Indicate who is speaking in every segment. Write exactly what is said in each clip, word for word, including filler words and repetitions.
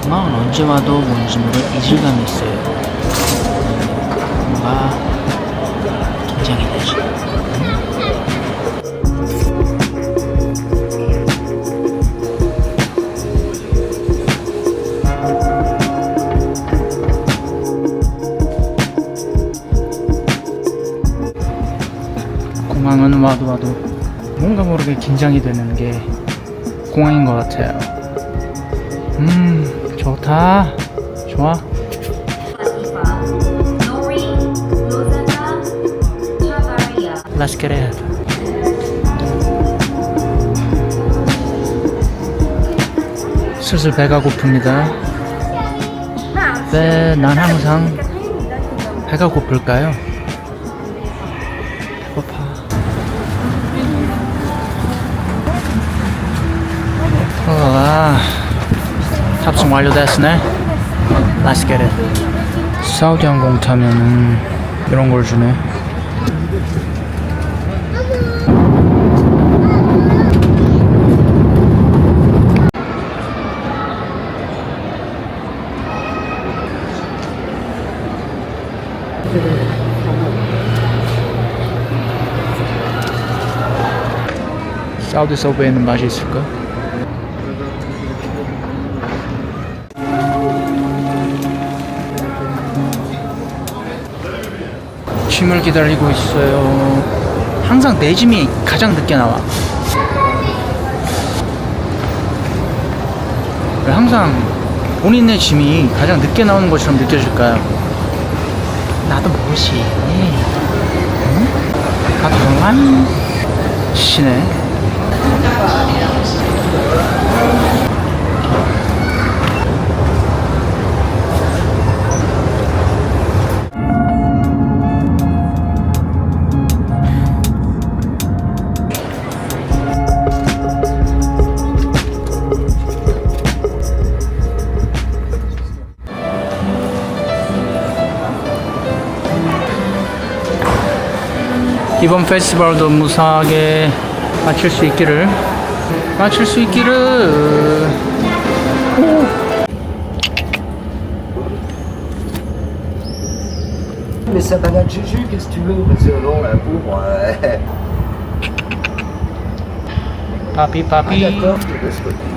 Speaker 1: 공항은 언제 와도 뭔지 모를 이질감이 있어요. 뭔가 긴장이 되지. 공항은 와도 와도 뭔가 모르게 긴장이 되는 게 공항인 것 같아요. 음, 좋다. 좋아. Let's get it. 슬슬 배가 고픕니다. 왜 난 항상 배가 고플까요? 배고파. 아, 탑승 완료됐으네. Let's get it. 사우디 항공 타면은 이런 걸 주네. 사우디 서브웨이는 맛이 있을까? 짐을 기다리고 있어요. 항상 내 짐이 가장 늦게 나와. 왜 항상 본인의 짐이 가장 늦게 나오는 것처럼 느껴질까요? 나도 무엇이 응? 나도 너무한 시네. 이번 페스티벌도 무사하게 마칠 수 있기를 마칠 수 있기를. 오.
Speaker 2: Mais ça balade Juju, qu'est-ce que tu veux? Parce que non, la pauvre. Euh...
Speaker 1: Papi,
Speaker 2: Ah,
Speaker 1: papi.
Speaker 2: d'accord, je te laisse côté.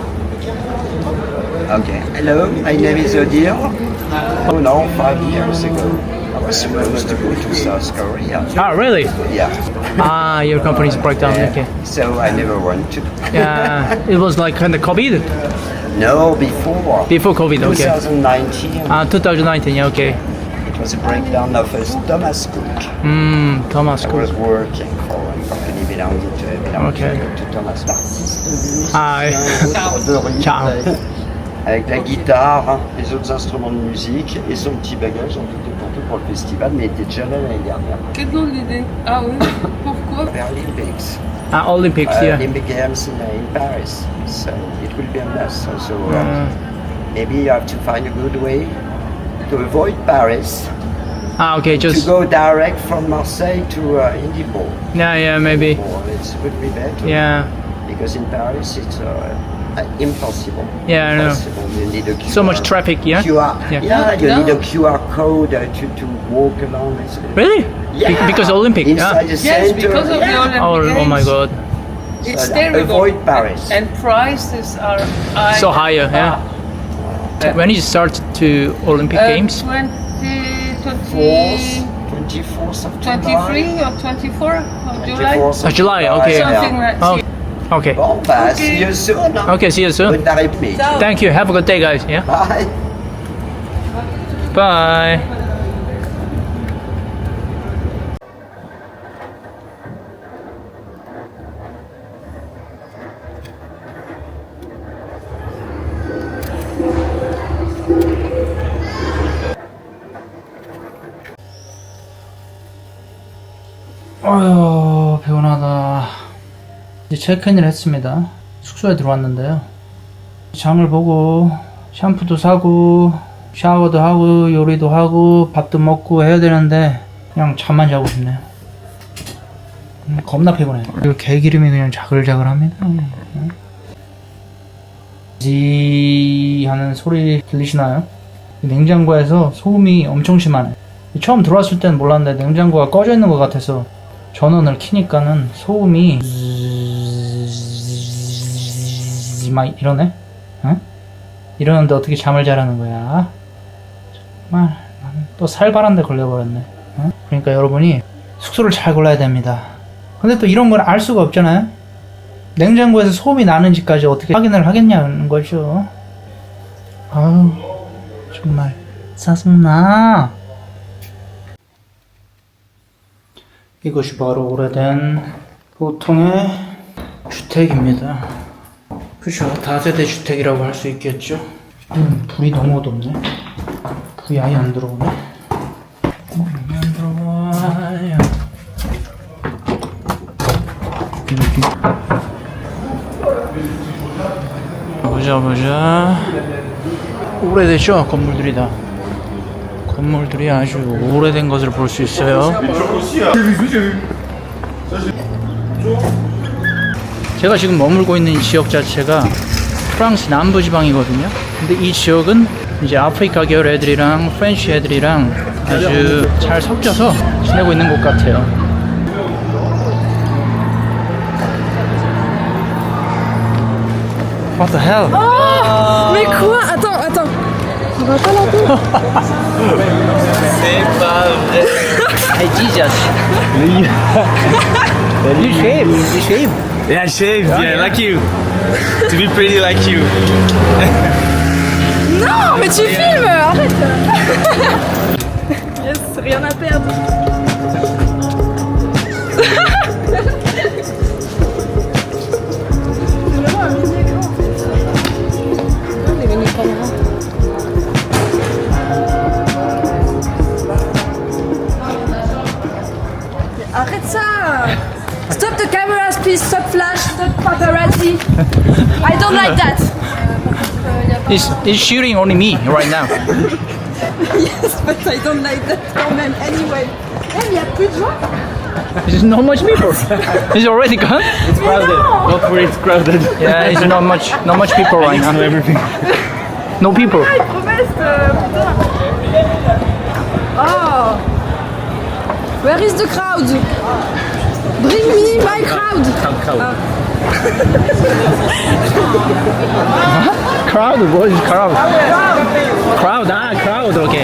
Speaker 2: Okay. Hello, my name is Odir. Oh no, five years ago, I was supposed to go to South Korea.
Speaker 1: Ah, really?
Speaker 2: Yeah.
Speaker 1: Ah, your company's breakdown.
Speaker 2: Yeah.
Speaker 1: Okay.
Speaker 2: So I never went to.
Speaker 1: Yeah, it was like kind of COVID
Speaker 2: No, before.
Speaker 1: before COVID. Okay.
Speaker 2: twenty nineteen.
Speaker 1: Ah, twenty nineteen. Yeah, okay.
Speaker 2: It was a breakdown of a Thomas Cook.
Speaker 1: Hmm, Thomas
Speaker 2: I
Speaker 1: Cook.
Speaker 2: was working for a company belonging to, belonging
Speaker 1: Okay.
Speaker 2: to Thomas. L'artiste
Speaker 1: Ah,
Speaker 2: de rue,
Speaker 1: Ciao.
Speaker 2: avec la guitare, hein, les autres instruments de musique et son petit bagage en tout et pour tout pour le festival, mais il était déjà là l'année dernière.
Speaker 3: Quelle drôle d'idée. Ah oui, pourquoi?
Speaker 2: Paralympics.
Speaker 1: Ah, Olympics.
Speaker 2: Uh,
Speaker 1: Yeah.
Speaker 2: Olympic Games in, in Paris. So it will be a mess. So, so uh,
Speaker 1: Mm.
Speaker 2: maybe you have to find a good way to avoid Paris,
Speaker 1: Ah, okay.
Speaker 2: to
Speaker 1: Just
Speaker 2: go direct from Marseille to uh, Indipol.
Speaker 1: yeah, yeah, maybe.
Speaker 2: Or it would be better.
Speaker 1: Yeah,
Speaker 2: Because in Paris it's uh, uh, impossible.
Speaker 1: Yeah, I know.
Speaker 2: Impossible. You need a Q R.
Speaker 1: so much traffic. Yeah.
Speaker 2: Q R.
Speaker 1: Yeah.
Speaker 2: Yeah, you
Speaker 3: No.
Speaker 2: need a Q R code uh, to, to walk along. It's,
Speaker 1: Really?
Speaker 2: Yeah.
Speaker 1: Be- because Olympic.
Speaker 2: Inside
Speaker 1: Yeah.
Speaker 2: the
Speaker 3: Yes,
Speaker 2: center.
Speaker 3: because of the
Speaker 2: yeah.
Speaker 3: Olympic
Speaker 1: Oh, oh my
Speaker 3: Games.
Speaker 1: God.
Speaker 3: It's
Speaker 2: So
Speaker 3: terrible.
Speaker 2: avoid Paris.
Speaker 3: And prices are high.
Speaker 1: So higher. Yeah.
Speaker 3: Uh,
Speaker 1: When you start to Olympic
Speaker 3: uh,
Speaker 1: Games?
Speaker 3: twenty,
Speaker 2: Fourth,
Speaker 3: twenty,
Speaker 2: twenty-fourth of
Speaker 3: twenty-three
Speaker 2: July.
Speaker 3: or twenty-four of July?
Speaker 2: twenty-fourth
Speaker 1: Oh,
Speaker 2: of
Speaker 1: July, okay.
Speaker 3: Something like
Speaker 1: Oh,
Speaker 3: that.
Speaker 1: okay.
Speaker 2: Bon, bah,
Speaker 3: Okay.
Speaker 2: see you soon. hein.
Speaker 1: Okay. See you soon.
Speaker 2: Bonne après-midi.
Speaker 3: Ciao.
Speaker 1: Thank you. Have a good day, guys. Yeah.
Speaker 2: Bye.
Speaker 1: Bye. 아유, 피곤하다. 이제 체크인을 했습니다. 숙소에 들어왔는데요. 장을 보고 샴푸도 사고 샤워도 하고 요리도 하고 밥도 먹고 해야 되는데 그냥 잠만 자고 싶네요. 음, 겁나 피곤해요. 그리고 개기름이 그냥 자글자글합니다. 지 하는 소리 들리시나요? 냉장고에서 소음이 엄청 심하네. 처음 들어왔을 때는 몰랐는데 냉장고가 꺼져 있는 것 같아서 전원을 켜니까는 소음이 막 이러네? 응? 이러는데 어떻게 잠을 자라는 거야? 정말 나는 또 살벌한 데 걸려버렸네. 응? 그러니까 여러분이 숙소를 잘 골라야 됩니다. 근데 또 이런 걸 알 수가 없잖아요? 냉장고에서 소음이 나는지까지 어떻게 확인을 하겠냐는 거죠. 아우 정말 짜증나. 이것이 바로 오래된 보통의 주택입니다. 그죠? 다세대 주택이라고 할 수 있겠죠? 음, 불이 너무 어둡네. 불이 아예 안 들어오네. 어, 안 들어와요. 보자 보자. 오래되죠? 건물들이 다. 건물들이 아주 오래된 것을 볼 수 있어요. 제가 지금 머물고 있는 이 지역 자체가 프랑스 남부 지방이거든요. 근데 이 지역은 이제 아프리카 계열 애들이랑 프렌치 애들이랑 아주 잘 섞여서 지내고 있는 곳 같아요. What the hell?
Speaker 3: Oh, mais quoi? Attends, attends. On va pas l'entendre.
Speaker 4: C'est pas vrai.
Speaker 1: Hey Jesus! You shave, you shave.
Speaker 4: Yeah, shave, yeah, like you. To be pretty like you.
Speaker 3: Non, mais tu filmes, arrête. Yes, rien à perdre. C'est vraiment un mini écran en fait. Ah, les mini caméras. Arrête ça! Stop the cameras, please. Stop flash. Stop paparazzi. I don't like that.
Speaker 1: He's, he's shooting only me right now.
Speaker 3: Yes, but I don't like that quand même. Anyway. Eh, il y a plus de gens.
Speaker 1: There's not much people. He's already gone.
Speaker 4: It's crowded. Don't worry, it's crowded.
Speaker 1: Yeah, there's not much, not much people right
Speaker 4: I know
Speaker 1: now.
Speaker 4: everything.
Speaker 1: No people.
Speaker 3: Ah, il promesse, euh, putain. Oh. Where is the crowd? Bring me my crowd.
Speaker 4: Crowd.
Speaker 1: Crowd? What is crowd? Crowd, ah, crowd, okay.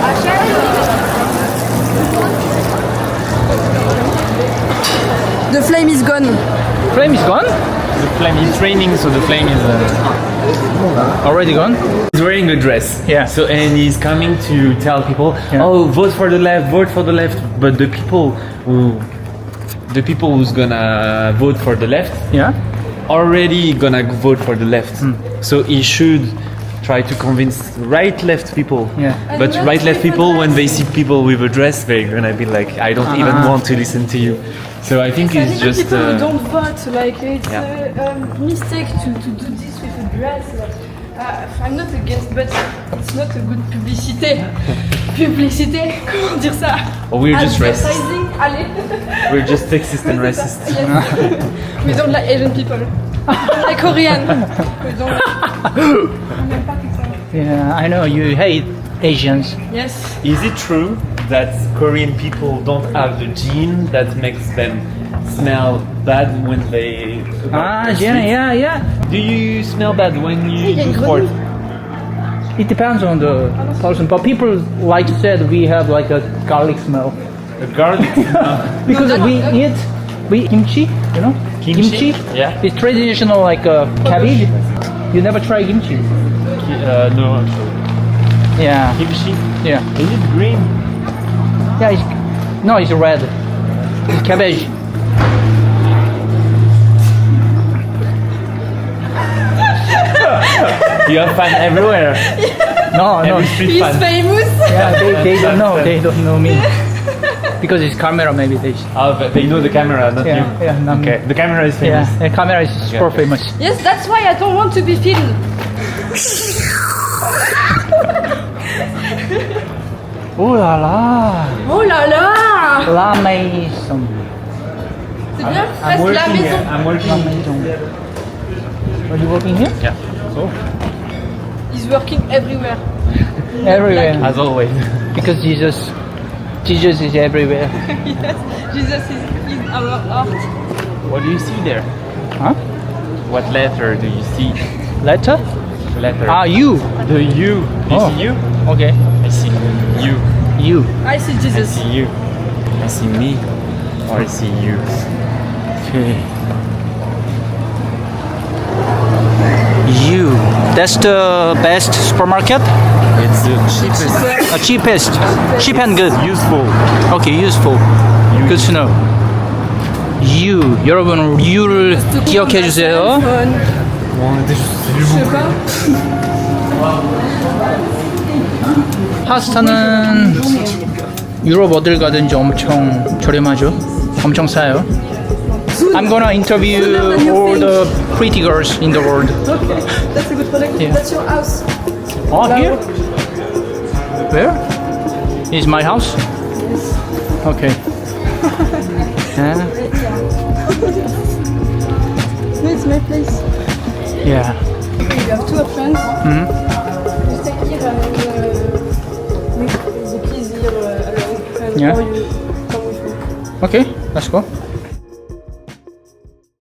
Speaker 3: The flame is gone.
Speaker 1: Flame is gone?
Speaker 4: The flame is raining, so the flame is. Uh,
Speaker 1: Already gone?
Speaker 4: he's wearing a dress.
Speaker 1: Yeah.
Speaker 4: So and he's coming to tell people,
Speaker 1: Yeah.
Speaker 4: oh, vote for the left, vote for the left. But the people who, the people who's gonna vote for the left,
Speaker 1: Yeah?
Speaker 4: already gonna vote for the left. So he should try to convince right left people.
Speaker 1: Yeah.
Speaker 4: But right left people, when they see people with a dress, they're gonna be like, I don't even
Speaker 1: Ah.
Speaker 4: want to listen to you. So I think it's just.
Speaker 3: people who
Speaker 4: Uh,
Speaker 3: don't vote. Like it's
Speaker 4: Yeah.
Speaker 3: a um, mistake to, to do this with a dress. Uh, I'm not against, but it's not a good publicité. Publicité, comment dire ça?
Speaker 4: or we're just racist.
Speaker 3: Advertising, allez.
Speaker 4: We're just sexist and racist.
Speaker 3: Yes. We don't like Asian people. We don't like Korean. We don't like... On n'aime pas tout ça.
Speaker 1: Yeah, I know you hate Asians.
Speaker 3: Yes.
Speaker 4: Is it true that Korean people don't have the gene that makes them smell bad when they
Speaker 1: Ah,
Speaker 4: walk the
Speaker 1: yeah,
Speaker 4: street?
Speaker 1: yeah, yeah.
Speaker 4: Do you smell bad when you
Speaker 3: Il y a une
Speaker 4: do sport?
Speaker 1: It depends on the person, but people like said we have like a garlic smell
Speaker 4: A garlic smell?
Speaker 1: because
Speaker 3: No, that-
Speaker 1: we
Speaker 3: that-
Speaker 1: eat we eat kimchi, you know.
Speaker 4: Kimchi? Yeah.
Speaker 1: It's traditional like uh, cabbage. You never try kimchi?
Speaker 4: Uh, no, actually.
Speaker 1: Yeah,
Speaker 4: Kimchi?
Speaker 1: yeah,
Speaker 4: Is it green?
Speaker 1: yeah. It's, no, it's red. It's cabbage.
Speaker 4: You have fun everywhere.
Speaker 1: No, no.
Speaker 4: Every street
Speaker 3: He's
Speaker 4: fun.
Speaker 3: famous.
Speaker 1: Yeah, they, they don't know. They don't know me because it's camera. Maybe they.
Speaker 4: Oh, but they know the camera, not
Speaker 1: Yeah,
Speaker 4: you.
Speaker 1: yeah, not me.
Speaker 4: Okay, the camera is famous.
Speaker 1: Yeah, the camera is super
Speaker 4: okay.
Speaker 1: famous.
Speaker 3: Yes, that's why I don't want to be filmed.
Speaker 1: Oh là là,
Speaker 3: Oh là là.
Speaker 1: la maison,
Speaker 3: C'est bien,
Speaker 4: I'm
Speaker 3: presque la
Speaker 4: working
Speaker 3: maison.
Speaker 4: here. I'm
Speaker 1: la
Speaker 4: working.
Speaker 1: maison. Are you working here?
Speaker 4: Yeah. So,
Speaker 3: He's working everywhere.
Speaker 1: Everywhere.
Speaker 4: As always.
Speaker 1: Because Jesus, Jesus is everywhere.
Speaker 3: Yes, Jesus is in our heart.
Speaker 4: What do you see there?
Speaker 1: Huh?
Speaker 4: What letter do you see?
Speaker 1: Letter?
Speaker 4: Letter.
Speaker 1: Ah, you.
Speaker 4: The U. Do you
Speaker 1: Oh.
Speaker 4: see you?
Speaker 1: Okay.
Speaker 4: I see you.
Speaker 1: You.
Speaker 3: I see
Speaker 4: I
Speaker 3: Jesus.
Speaker 4: see you. I see me. Or I see you.
Speaker 1: Okay. You. That's the best supermarket?
Speaker 4: It's the cheapest.
Speaker 1: Uh, cheapest. Cheap and good.
Speaker 4: Useful.
Speaker 1: Okay, useful. Good to know. You. 여러분, U를 기억해 주세요.
Speaker 3: Phone. Je sais pas.
Speaker 1: 파스타는 유럽 어딜 가든지 엄청 저렴하죠. 엄청 싸요. I'm gonna interview all the pretty girls in the world.
Speaker 3: Okay, that's a good product.
Speaker 1: Yeah.
Speaker 3: That's your house.
Speaker 1: Oh, here? Where? Is my house? Okay. Yeah.
Speaker 3: No, it's my place.
Speaker 1: Yeah.
Speaker 3: You have two options.
Speaker 1: Mhm.
Speaker 3: You stay here and uh, make the keys here uh, alone. And
Speaker 1: Yeah.
Speaker 3: or you come with me.
Speaker 1: Okay, let's go.